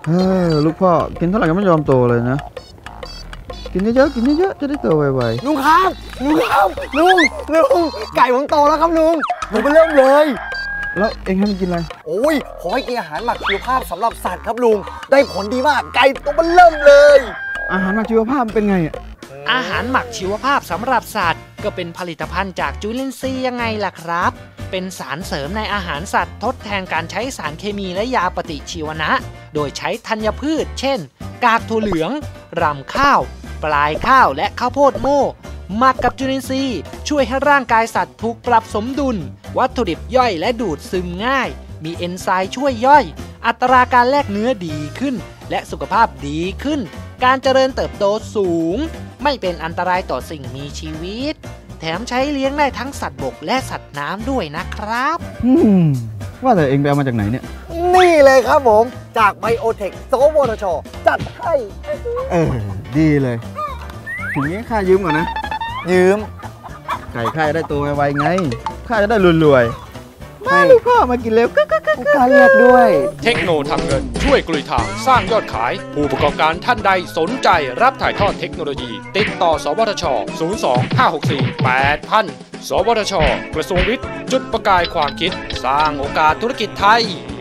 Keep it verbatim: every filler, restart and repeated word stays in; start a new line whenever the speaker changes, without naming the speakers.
เออลูกพ่อกินเท่าไหร่ก็ไม่ยอมโตเลยนะกินเยอะๆกินเยอะๆจะได้โตไว
ๆลุงครับลุงครับลุงลุงไก่ผมโตแล้วครับลุงผมไปเริ่มเลย
แล้วเอ็งให้มันกินอะไร
โอ้ยขอให้กินอาหารหมักชีวภาพสำหรับสัตว์ครับลุงได้ผลดีมากไก่ตัวมันเริ่มเลย
อาหารหมักชีวภาพเป็นไงอ่ะ
อาหารหมักชีวภาพสำหรับสัตว์ก็เป็นผลิตภัณฑ์จากจุลินทรีย์ยังไงล่ะครับเป็นสารเสริมในอาหารสัตว์ทดแทนการใช้สารเคมีและยาปฏิชีวนะโดยใช้ธัญพืชเช่นกากถั่วเหลืองรำข้าวปลายข้าวและข้าวโพดโม่หมักกับจุลินทรีย์ช่วยให้ร่างกายสัตว์ถูกปรับสมดุลวัตถุดิบย่อยและดูดซึมง่ายมีเอนไซม์ช่วยย่อยอัตราการแลกเนื้อดีขึ้นและสุขภาพดีขึ้นการเจริญเติบโตสูงไม่เป็นอันตรายต่อสิ่งมีชีวิตแถมใช้เลี้ยงได้ทั้งสัตว์บกและสัตว์น้ำด้วยนะครับ
อืมว่าแต่เองไปเอามาจากไหนเนี่ย
นี่เลยครับผมจากไบโอเทคสวทช.จัดให้
เออดีเลยถึงนี้ข้ายืมก่อนนะ
ยืม
ไก่ข้าจะได้ตัวไวๆไงข้าจะได้รวยๆมาลูกพ่อมากินเร็วก็ก็ก็
การเรียกด้วย
เทคโนทำเงินช่วยกลุยทางสร้างยอดขายผู้ประกอบการท่านใดสนใจรับถ่ายทอดเทคโนโลยีติดต่อสวทช ศูนย์ สอง ห้า หก สี่ แปด พัน สวทช กระทรวงวิทย์จุดประกายความคิดสร้างโอกาสธุรกิจไทย